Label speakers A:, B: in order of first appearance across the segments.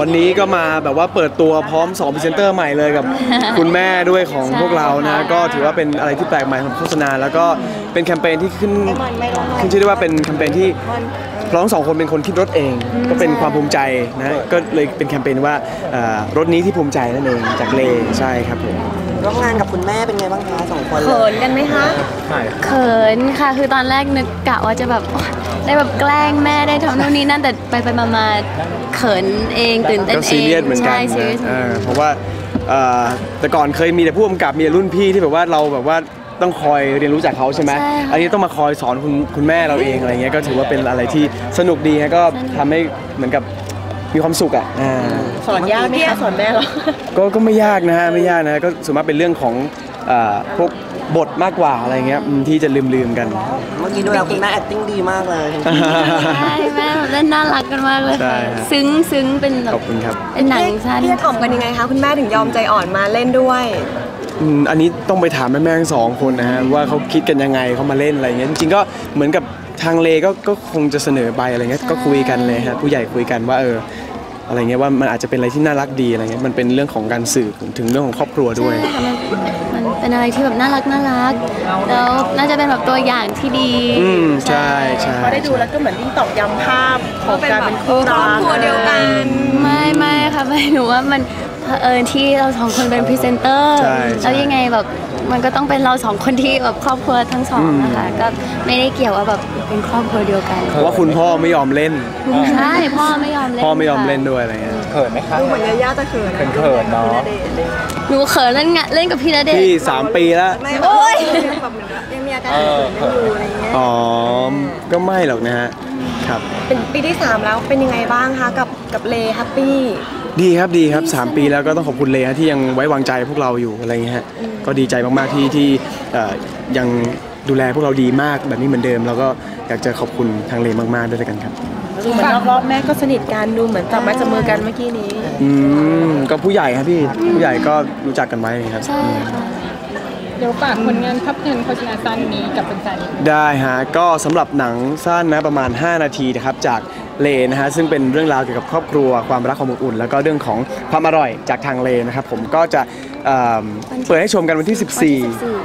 A: วันนี้ก็มาแบบว่าเปิดตัวพร้อม2พรีเซนเตอร์ใหม่เลยกับคุณแม่ด้วยของพวกเรานะก็ถือว่าเป็นอะไรที่แปลกใหม่ของโฆษณาแล้วก็เป็นแคมเปญที่ขึ้นชื่อได้ว่าเป็นแคมเปญที่เราทั้งสองคนเป็นคนคิดรถเองก็เป็นความภูมิใจนะก็เลยเป็นแคมเปญว่ารถนี้ที่ภูมิใจนั่นเองจากเลใช่ครับผม
B: ร่วมงานกับคุณแม่เป็นไงบ้างคะ2 คน
C: เขินกันไหมคะเขินค่ะคือตอนแรกนึกกะว่าจะแบบได้แบบแกล้งแม่ได้ทำโน่นนี่นั่นแต่ไปมาเขินเองตื่นเต้นเอง
A: ก็ซีเรียสเหมือนกันเพราะว่าแต่ก่อนเคยมีแต่ผู้กำกับมีรุ่นพี่ที่แบบว่าเราแบบว่าต้องคอยเรียนรู้จากเขาใช่ไหมอันนี้ต้องมาคอยสอนคุณแม่เราเองอะไรเงี้ยก็ถือว่าเป็นอะไรที่สนุกดีฮะก็ทำให้เหมือนกับมีความสุข
C: สอนยากไหมคะสอนแม่หรอ
A: ก็ไม่ยากนะฮะไม่ยากนะก็ส่วนมากเป็นเรื่องของพวกบทมากกว่าอะไรเงี้ยที่จะลืมกัน
B: เมื่อกี้ดูแล้วคุณแม่ acting ดีมากเลย
C: ใช่แม่เล่นน่ารักกันมากเลยซึ้งเป็นแบบเป็นหนังสั้น
D: พี่ถ่อมกันยังไงคะคุณแม่ถึงยอมใจอ่อนมาเล่นด้วย
A: อันนี้ต้องไปถามแม่ทั้ง2 คนนะฮะว่าเขาคิดกันยังไงเขามาเล่นอะไรเงี้ยจริงๆก็เหมือนกับทางเลก็คงจะเสนอไปอะไรเงี้ยก็คุยกันเลยฮะผู้ใหญ่คุยกันว่าอะไรเงี้ยว่ามันอาจจะเป็นอะไรที่น่ารักดีอะไรเงี้ยมันเป็นเรื่องของการสื่อถึงเรื่องของครอบครัวด้วย
C: มันเป็นอะไรที่แบบน่ารักแล้วน่าจะเป็นแบบตัวอย่างที่ดี
A: ใช่
D: พอได้ดูแล้วก็เหมือนยิ่งตอกย้ำภาพของการเป็นครอบครัวเดียวกัน
C: ไม่ค่ะไม่หนูว่ามันที่เรา2 คนเป็นพรีเซนเตอร์แล้วยังไงแบบมันก็ต้องเป็นเรา2 คนที่แบบครอบครัวทั้ง2นะคะก็ไม่ได้เกี่ยวว่าแบบเป็นครอบครัวเดียวกัน
A: เพราะว่าคุณพ่อไม่ยอมเล่น
C: ใช่พ่อไม่ยอมเ
A: ล่นด้วยอะไรเงี้ย
E: เขินไหมคะ
D: ดูเหมือนย่าจะเขิ
E: นเนาะ
C: หนูเขินเล่นกับพี่ณเดชน์
A: พี่3 ปีแล้ว
D: โอ้ยแบบเหมือนยังมีอาการเขินอยู่อะไรเงี้ย
A: ก็ไม่หรอกนะฮะครับ
D: เป็นปีที่3แล้วเป็นยังไงบ้างคะกับเลแฮปปี้
A: ดีครับ3 ปีแล้วก็ต้องขอบคุณเลที่ยังไว้วางใจพวกเราอยู่อะไรเงี้ยฮะก็ดีใจมากๆที่ยังดูแลพวกเราดีมากแบบนี้เหมือนเดิมแล้วก็อยากจะขอบคุณทางเลมากๆด้วยกันครับ
D: ดูเหมือนรอบแม่ก็สนิทกันดูเหมือนจับไม้จับมือกันเมื่อกี้นี้
A: ก็ผู้ใหญ่ครับพี่ผู้ใหญ่ก็รู้จักกันไว้ครับ
C: ใช่ค่ะ
D: เดี๋ยวฝากผลงานภาพยนตร์โฆษณาสั้นนี้กับแฟน
A: ๆได้ฮะก็สำหรับหนังสั้นนะประมาณ5 นาทีนะครับจากเลนะฮะซึ่งเป็นเรื่องราวเกี่ยวกับครอบครัวความรักความอบอุ่นแล้วก็เรื่องของความอร่อยจากทางเลนะครับผมก็จะเปิดให้ชมกันวันที่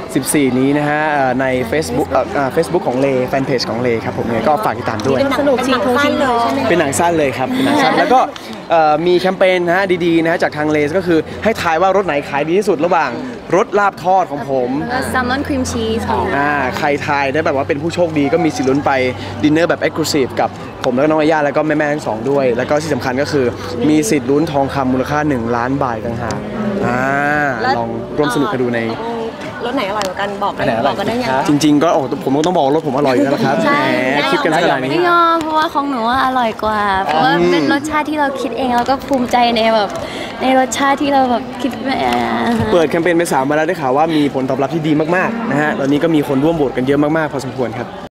A: 14นี้นะฮะใน Facebook ของเลแฟนเพจของเลครับผมก็ฝากติดตามด้วย
D: สนุกจริงเลยใช่ไหม
A: เป็นหนังสั้นเลยครับเป็นหนังสั้นแล้วก็มีแคมเปญนะฮะดีๆนะฮะจากทางเลก็คือให้ทายว่ารสไหนขายดีที่สุดระหว่างรสลาบทอดของผม
C: แซลมอนครีมชีส
A: ใครทายได้แบบว่าเป็นผู้โชคดีก็มีสิทธิ์ลุ้นไปดินเนอร์แบบเอ็กซ์คลูซีฟกับผมแล้วก็น้องอาญาแล้วก็แม่ทั้ง2ด้วยแล้วก็ที่สำคัญก็คือมีสิทธิ์ลุ้นทองคำมูลค่า1 ล้านบาทต่างหากลองร่วมสนุกกันดูใน
D: รสไหนอร่อยกว่ากันบอกกันได้ยัง
A: จริงๆก็ผมก็ต้องบอกรสผมอร่อยอยู่แล้วครับแหมคิดกันขนาดนี้
C: ไม่ยอมเพราะว่าของหนูอร่อยกว่าเพราะว่าเป็นรสชาติที่เราคิดเองแล้วก็ภูมิใจในแบบในรสชาติที่เราแบบคิด
A: เปิดแคมเปญไป3 วันแล้วได้ข่าวว่ามีผลตอบรับที่ดีมากๆนะฮะตอนนี้ก็มีคนร่วมโหวตกันเยอะมากๆพอสมควรครับ